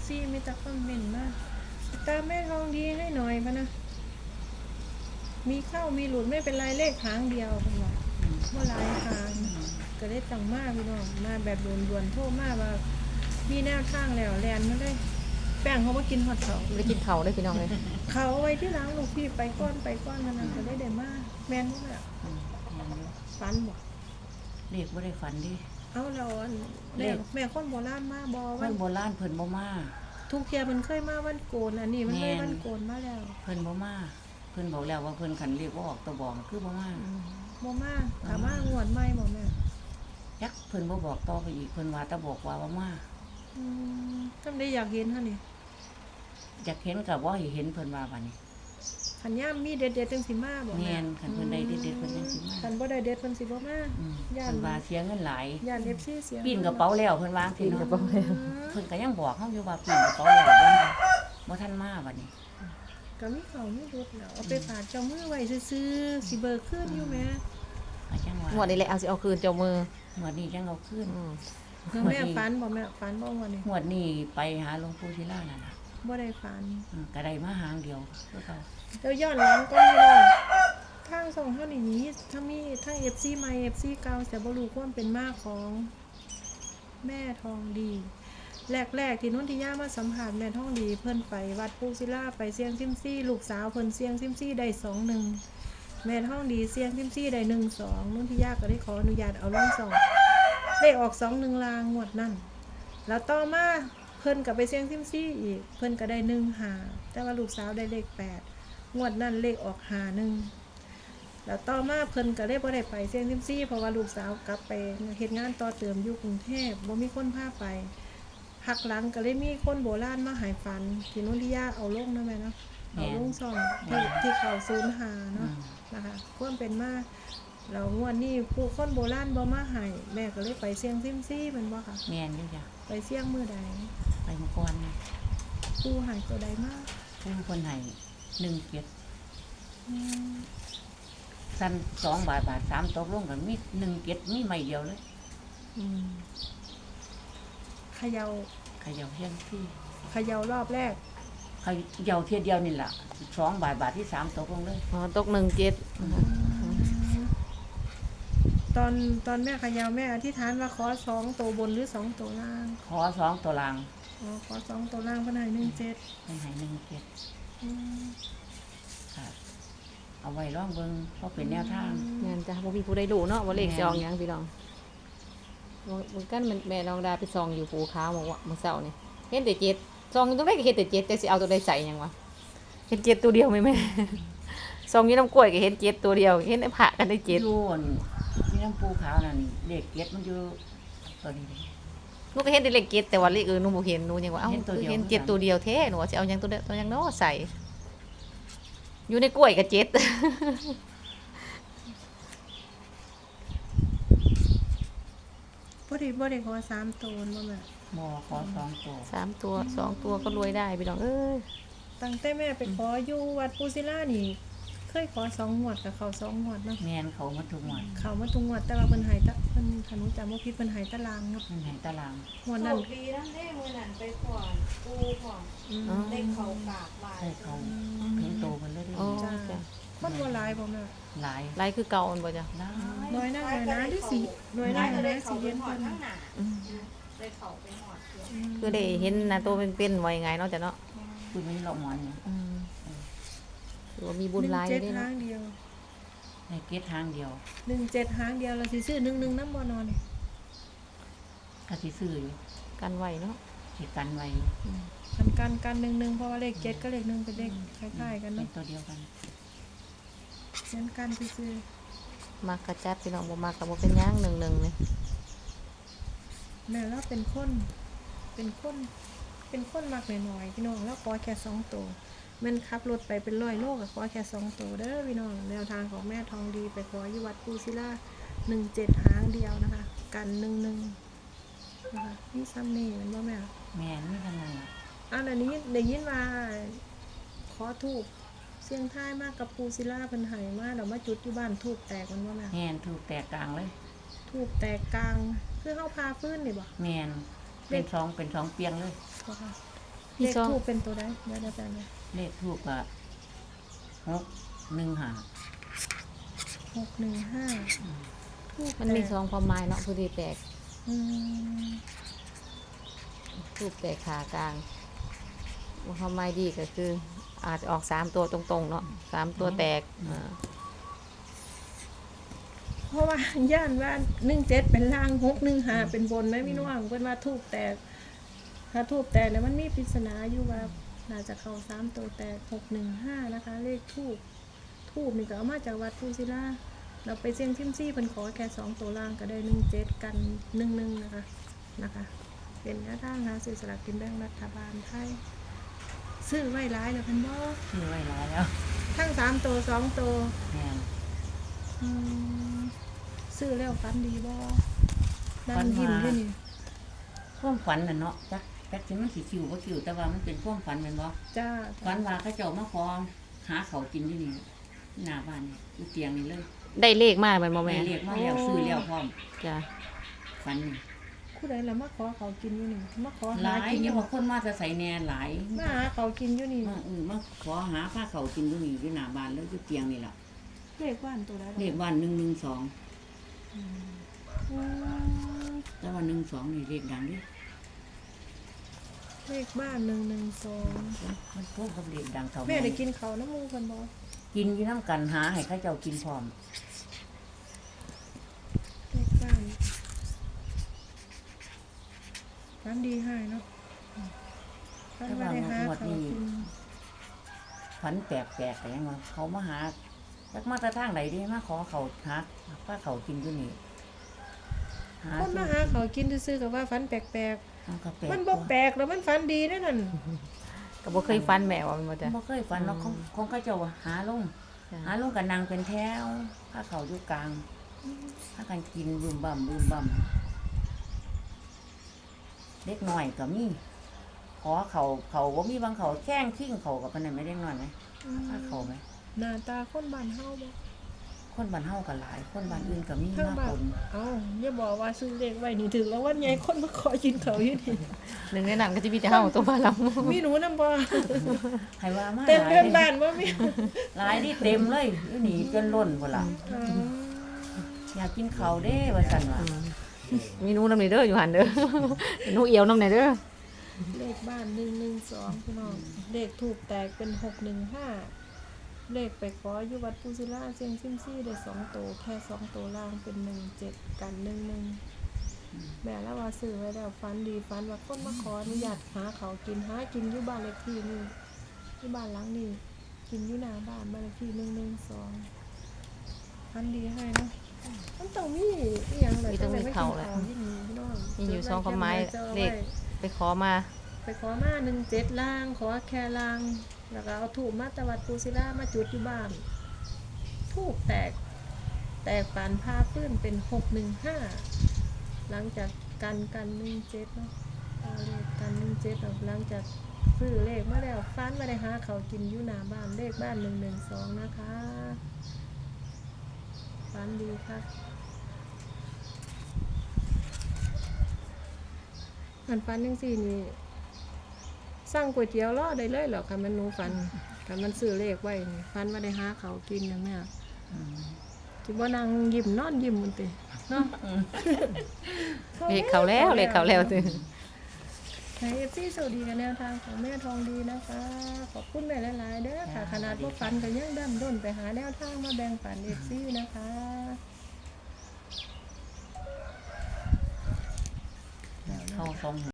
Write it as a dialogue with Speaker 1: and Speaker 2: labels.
Speaker 1: ซีมีแต่คอมเมนต์มาตามแม่ทองดีให้หน่อยพะนะมีเข้ามีหลุดไม่เป็นไรเลขหางเดียวเป็นว่าเมื่อไรทางก็ได้จังมากพี่น้องมาแบบด่วนๆโทษมากว่ามีแนวทางแล้วแลนมาได้แป้งเขามากินฮอตเขา
Speaker 2: ไม่ได้กินเขาได้พี่น้องเลย
Speaker 1: เขาเอาไว้ที่หล้างลูกพี่ไปก้อนมันนั่นก็ได้มากแม่นบ่ล่ะ
Speaker 3: แม่นอยู่
Speaker 1: ฝันบ่
Speaker 3: เรียกบ่ได้ฝันดิ
Speaker 1: เอาแล้วอันแม่คนโบราณมาบ่
Speaker 3: ค
Speaker 1: วัน
Speaker 3: นโบราณเพิ่นบ่มา
Speaker 1: ทุกเที่ยมันเคยมาวันโกนอันนี้มันเลยวันโกนมาแล้ว
Speaker 3: เพิ่นบ่มาเพิ่นบอกแล้วว่าเพิ่นคันเรียกบ่ออกตัวบอกคือบ่มา
Speaker 1: บ่มาถามว่างวดใหม่บ่แม่
Speaker 3: ยักเพิ่นบ่บอกต่อไปอีกเพิ่นว่าแต่บอกว่าบ่มา
Speaker 1: ทำได้อยากเห็นเฮานี่
Speaker 3: อยากเห็นก็บ่ให้เห็นเพิ่นว่าบัดนี้
Speaker 1: คันย่ามมีเด็ดๆจังสิมาบ่
Speaker 3: แม่
Speaker 1: แม่
Speaker 3: นคันเพิ่นได้เด็ดๆเพิ่นจังสิมา
Speaker 1: คันบ่ได้เด็ดเพิ่นสิบ่มา ย่าน
Speaker 3: เพิ่นว่าเสียเงินหลาย
Speaker 1: ย่าน FC เสีย
Speaker 3: ปีนกระเป๋าแล้วเพิ่นวาง
Speaker 2: กินกระเป๋าแล้ว
Speaker 3: เพิ่นก็ยังบอกเฮาอยู่ว่าปีนกระเป๋าแล้วบ่ทันมาบัดนี้
Speaker 1: ก็มีเขามีรถแล้วเอาไปฝากเจ้ามือไว้ซื่อๆสิเบิกคืนอยู่แม่
Speaker 3: ก็จังว่าง
Speaker 2: วดนี้แหละเอาสิเอาคืนเจ้ามือ
Speaker 3: งวดนี้จังเอาคืน
Speaker 2: อืม
Speaker 1: แล้วแม่ฝันบ่แม่ฝันบ่งวดนี้
Speaker 3: งวดนี้ไปหาหลวงปู่ศิลานั่นน่ะ
Speaker 1: บ่ได้ฝัน
Speaker 3: ก็ได้มาหางเดียวคือเก่า
Speaker 1: เดี๋ยวย้อนหลังก็ไม่ได้ทางส่งเท่านี้ถ้ามีทั้ง FC ใหม่ FC เก่าจะบ่รู้ความเป็นมาของแม่ทองดี แรกๆที่นุ่นที่ย่ามาสัมผัสแม่ทองดีเพิ่นไปวัดปูศิลาไปเสียงซิมซี่ลูกสาวเพิ่นเสียงซิมซี่ได้2-1แม่ทองดีเสียงซิมซี่ได้1-2นุ่นที่ย่าก็ได้ขออนุญาตเอาลงสองได้ออก2-1ลางงวดนั่นแล้วต่อมาเพิ่นก็ไปเสียงซิมซี่อีกเพิ่นก็ได้1-5แต่ว่าลูกสาวได้เลข8งวดนั่นเลขออก5-1แล้วต่อมาเพิ่นก็ได้บ่ได้ไปเสียงซิมซี่เพราะว่าลูกสาวกลับไปเฮ็ดงานต่อเติมอยู่กรุงเทพบ่มีคนพาไปพักหลังก็เลยมีคนโบราณมาใหายฝันที่นุ่นที่ย่าเอาลงนะแม่เนาะเอาลงซ่องที่เขา05เนาะนะคะควรเป็นมาแล้วงวดนี้ผู้คนโบราณบ่มาให้แม่ก็เลยไปเสียงซิมซี่แมันบ่ค่ะ
Speaker 3: แม่นอยู่จ้ะ
Speaker 1: ไปเสียงมื้อใด
Speaker 3: ไปเมื่อก่อนนี่
Speaker 1: ผู้ให้ตัวใดมา
Speaker 3: ผู้คนให้1เกียรติ
Speaker 1: อืม
Speaker 3: สั้น2 บาท3ตกลงกันมี1เกียรติมีไม่เดียวเลย
Speaker 2: อืม
Speaker 1: เขย่า
Speaker 3: เขย่าเพียงที่
Speaker 1: เขย่ารอบแรก
Speaker 3: เขย่าเที่ยเดียวนี่ล่ะ2 บาทที่3ตกลงเลย
Speaker 2: อ๋อตก17
Speaker 1: ตอนแม่เขย่าแม่อธิษฐานว่าขอ2ตัวบนหรือ2ตัวล่าง
Speaker 3: ขอ2ตัวลาง
Speaker 1: อ๋อขอ2ตัวล่างเพิ่นให้17
Speaker 3: ให้1เกียรติค่ะเอาไว้ลองเบิ่งเพราะเป็นแนวทาง
Speaker 2: แม่นจ้ะบ่มีผู้ใดรู้เนาะว่าเลขสิออกหยังพี่น้องมันกันแม่น้องดาไปซองอยู่ภูขาวบอกว่ามื้อเช้านี่เห็นแต่7ซองอยู่ตรงใดก็เห็นแต่7แต่สิเอาตัวใดใส่หยังวะเห็น7ตัวเดียวไหมแม่ ซองอยู่น้ำกล้วยก็เห็น7ตัวเดียวเห็นในพระกันได้7
Speaker 3: อยู่อั่นที่น้ำปูขาวนั่นเลขเกียรติมันอยู่ตัวนี้เลย
Speaker 2: หนูก็เห็นแต่เลข7แต่ว่าเลขอื่นหนูบ่เห็นหนูยังว่าเอ้า
Speaker 3: เห็นตัวเดียว
Speaker 2: เห็น7ตัวเดียวแท้หนูว่าสิเอาหยังตัวหยังเนาะใส่อยู่ในกล้วยก็7
Speaker 1: บ่ได้ขอ3ตัวบ่แม่
Speaker 3: บ่ขอ2ตัว
Speaker 2: 3ตัว2ตัวก็รวยได้พี่น้องเอ้ย
Speaker 1: ตั้งแต่แม่ไปขออยู่วัดปูศิลานี่เคยขอ2งวดกับเขา2งวดเนาะ
Speaker 3: แม่นเขามาทุกงวด
Speaker 1: เขามาทุกงวดแต่ว่าเพิ่นให้ตะเพิ่นถ้าหนูจำบ่ผิดเพิ่นให้ตารางเนาะ
Speaker 3: มันให้ตาราง
Speaker 1: งวด
Speaker 4: โช
Speaker 1: นั้น
Speaker 4: คดีนั่นเด้มื้อนั้นไปก่อนปูก่อน
Speaker 1: อืม
Speaker 4: ได้เขากราบไหว้
Speaker 3: ให้เขาถึงโตกันเลย
Speaker 2: อ๋อ
Speaker 1: จ้า
Speaker 2: จ้ะ
Speaker 1: คนบ่หลายบ่แม่
Speaker 3: หลาย
Speaker 2: ไล่คือเก่าอันบ่จ้ะ
Speaker 3: หลาย
Speaker 1: น้อยหน้าที่สิน้อยหน้า
Speaker 4: ได้
Speaker 1: ได้
Speaker 4: เขา
Speaker 1: สิ
Speaker 4: ไป
Speaker 1: เย็น
Speaker 4: หอ
Speaker 1: เพิ่
Speaker 4: ด
Speaker 1: น
Speaker 4: ทั้งหน้า
Speaker 2: อืม
Speaker 4: ได้เขาไปหอดเพื่อน
Speaker 2: คือได้เห็นหน้าตัวเป็นๆไว้ไงเนาะจ้ะเนาะ
Speaker 3: คุณไม่หลอกหมอนเนี่ย
Speaker 2: อืมถือว่ามีบุญหลายอยู่เด้
Speaker 1: 17
Speaker 2: เนาะ
Speaker 1: หางเดียว
Speaker 3: ในเกียรติทางเดียว
Speaker 1: 17หางเดียวเราสิซื้อ11นำบ่นอนนี่
Speaker 3: ก็สิซื้ออยู่
Speaker 2: กันไว้เนาะ
Speaker 3: สิกันไว้
Speaker 1: กัน11เพราะว่าเลข7กับเลข1เป็นเลขคล้ายๆกัน
Speaker 3: เป็
Speaker 1: เนาะ
Speaker 3: นตัวเดียวกัน
Speaker 1: งั้นกันซื่อ
Speaker 2: มักกระจัดพี่น้องบ่มักก็บ่เป็นหยัง1นี่
Speaker 1: ๆแม่เราเป็นคนมักน้อยๆพี่น้องแล้วขอแค่2ตัวแม่นขับรถไปเป็น100โลก็ขอแค่2ตัวเด้อพี่น้องแนวทางของแม่ทองดีไปขออยู่วัดปูศิลา17หางเดียวนะคะ กัน11นะคะนี่ซ้ำนี่แมันบ่แม่
Speaker 3: แม่นนี่ทั้งนั้นล่ะ
Speaker 1: อันนี้ได้ยินว่าขอทูบเสียงท้ายมากกับปูศิลาเพิ่นให้มาแล้วมาจุดอยู่บ้านทูบแตกมันบ่แม่
Speaker 3: แม่นถูกแตกกลางเลย
Speaker 1: ทูบแตกกลางคือเฮาพาฟื้นนี่บ่
Speaker 3: แม่นเป็นสองเปียงเลย
Speaker 1: บ่ค่ะ
Speaker 2: มี
Speaker 1: เลข
Speaker 2: ซอง
Speaker 1: ทูปเป็นตัวใดเดี๋ยวแป๊บนึง
Speaker 3: เลขทูปก็615
Speaker 1: 615ทูป
Speaker 2: มันมีซองความหมายเนาะผู้ที่แตก
Speaker 1: อืม
Speaker 2: รูปแตกขากลางความหมายดีก็คือ อาจจะออก3ตัวตรงๆเนาะ3ตัวแตก
Speaker 1: เพราะว่าย่านว่า17เป็นล่าง615เป็นบนนะพี่น้องเพิ่นว่าทูปแตกถ้าทูปแตกแล้วมันมีปริศนาอยู่ว่าน่าจะเข้า3ตัวแตก615นะคะ เลขทูปนี่ก็เอามาจากวัดภูศิลาเราไปเสี่ยงซิมซี่เพิ่นขอแค่2ตัวล่างก็ได้17กัน11นะคะ เป็นแนวทางหาซื้อสลากกินแบ่งรัฐบาลไทยซื้อไว้หลายแล้วเพิ่นบ่
Speaker 3: ชื่อไว้หลายแล้ว
Speaker 1: ทั้ง3ตัว2ตัว
Speaker 3: แม่น
Speaker 1: อืมซื้อแล้วฝันดีบ่
Speaker 3: ฝั
Speaker 1: นั่ง
Speaker 3: นว่า
Speaker 1: ยิ้มอยู่นี่
Speaker 3: ความฝันน่ะเนาะจักสิมันสิคิวบ่คิวแต่ว่ามันเป็นความฝันแม่นบ่
Speaker 1: จ้า
Speaker 3: ฝันว่าเขาเจ้ามาขอหาเขาวกินอยู่นี่หน้าบ้านนี่อยู่เตียงนี่เลย
Speaker 2: ได้เลขมากมันบ่
Speaker 3: แม่
Speaker 2: แม่
Speaker 3: เรียกมาแล้วซื้อแล้วพร้อม
Speaker 2: จ้ะ
Speaker 3: ฝันนี่
Speaker 1: ผู้ใดล่ะมาขอเขากินอยู่นี่มาขอ
Speaker 3: ห
Speaker 1: หา
Speaker 3: ลาย
Speaker 1: กินอ
Speaker 3: อย่า
Speaker 1: ยู่
Speaker 3: ว่าคนมาจะใส่แหน่หลาย
Speaker 1: มาหาเขากินอยู่นี่
Speaker 3: มาขอหาผ้าเขาวกินอยู่นี่อยู่หน้าบ้านแล้วอยู่เตียงนี่ล่ะ
Speaker 1: เลขบ้านตัวใด
Speaker 3: เลขบ้าน112
Speaker 1: อืม
Speaker 3: แต่ว่า12นี่เลขดังดิ
Speaker 1: เลขบ้าน112
Speaker 3: มันพวกกับเลขดังเท่า
Speaker 1: แม่ได้กินเขาวน้ำมูเพิ่นบ่
Speaker 3: กินอยู่น้ำกันหาให้เขาเจ้ากินพร้อม
Speaker 1: เลขบ้านฝันดีให้เนาะฝันว่าได้หาเขากิน
Speaker 3: ฝันแปลกๆแต่ยังว่าเขามาหาจักมาแต่ทางไหนดิมาขอเขาหาผ้าเขาวกินอยู่นี่
Speaker 1: คนมาหาเขากินซื่อๆก็ว่าฝันแปลก
Speaker 3: มันก็แปลก
Speaker 1: ๆมันบ่แปลกแล้วมันฝันดีนั่นน่ะ
Speaker 2: ก็บ่เคยฟันแม่ว่ามันบ่จ้ะ
Speaker 3: บ่เคยฝันเนาะของเขาเจ้าว่าหาลง
Speaker 2: จ้ะ
Speaker 3: หาลงกันนางเป็นแถวผ้าเขาวอยู่กลางถ้ากันกินบึมบ่ำเด็กน้อยก็มีขอเขาบ่มีบางเขาแข้งขิ้งเขากับปานนั้นไม่ได้น้อยไหมผ้าเขาไหม
Speaker 1: หน้าตาคนบ้านเฮาบ่
Speaker 3: คนบ้านเฮาก็หลาย คนบ้านอื่นก็มี
Speaker 1: ทั้ง
Speaker 3: มา
Speaker 1: บ้าน
Speaker 3: ปน
Speaker 1: เอ้าอย่าบอกว่าซื้อเลขไว้นี่ถึงแล้ววันใหญ่คนมาขอกินเขาอยู่นี่
Speaker 2: หนึ่งในนั้นก็จะมีแต่เฮาตัวบ้านเรา
Speaker 1: มีหนูนำบ่
Speaker 3: ให้ว่ามา
Speaker 1: เต็ม
Speaker 3: หลาย
Speaker 1: เพื่อนบ้านบ่มี
Speaker 3: หลายที่เต็มเลยอยู่นี่จนล้นพุ่นล่ะ
Speaker 1: อ๋อ
Speaker 3: อยากกินข้าวเด้ว่าซั่นว่า
Speaker 2: มีหนูนำนี่เด้ออยู่หั่นเด้อ หนูเอียวนำนี่เด้อ
Speaker 1: เลขบ้าน112พี่น้องเลขถูกแตกเป็น615เลขไปขออยู่วัดปูศิลาเสียงซิมซี่ได้2ตัวแค่2ตัวล่างเป็น17กัน11แม่แล้วว่าซื้อไว้แล้วฝันดีฝันว่าคนมาขออนุญาตหาเขากินอยู่บ้านเลขที่นี่ที่บ้านหลังนี้กินอยู่หน้าบ้านบ้านเลขที่112ฝันดีให้เนาะมันต้องมีอีหยังเลย
Speaker 2: มีต้องมีเขาแหละ
Speaker 1: ที่นี่พี่น้อง
Speaker 2: มีอยู่2ความหมายเลขไปขอมา
Speaker 1: ไปขอมา17ล่างขอแค่ล่างแล้วก็เอาถูกมาตะวัดปูศิลามาจุดอยู่บ้านถูกแตกปานผ้าพื้นเป็น615หลังจากกัน17เนาะเอาเลขกัน17ออกหลังจากซื้อเลขมาแล้วฟันมาได้หาเขากินอยู่หน้าบ้านเลขบ้าน112นะคะฟันดีค่ะอันฟันจังซี่นี่สั่งก๋วยเตี๋ยวรอได้เลยเหรอคันมันหนูฟันคันมันซื้อเลขไว้นี่ฟันมาได้หาเขากินนะแม่สิบ่นั่งยิ้มนอนยิ้มมันติเนาะ
Speaker 2: เลขเขาแล้วเลขเขาแล้วติ
Speaker 1: ให้ FC สวัสดีกันแนวทางของแม่ทองดีนะคะ ขอบคุณแม่หลายๆเด้อค่ะ ขนาดบ่ฟันก็ยังดั้นด้นไปหาแนวทางมาแบ่งปัน FC นะคะ
Speaker 3: เข้าทรง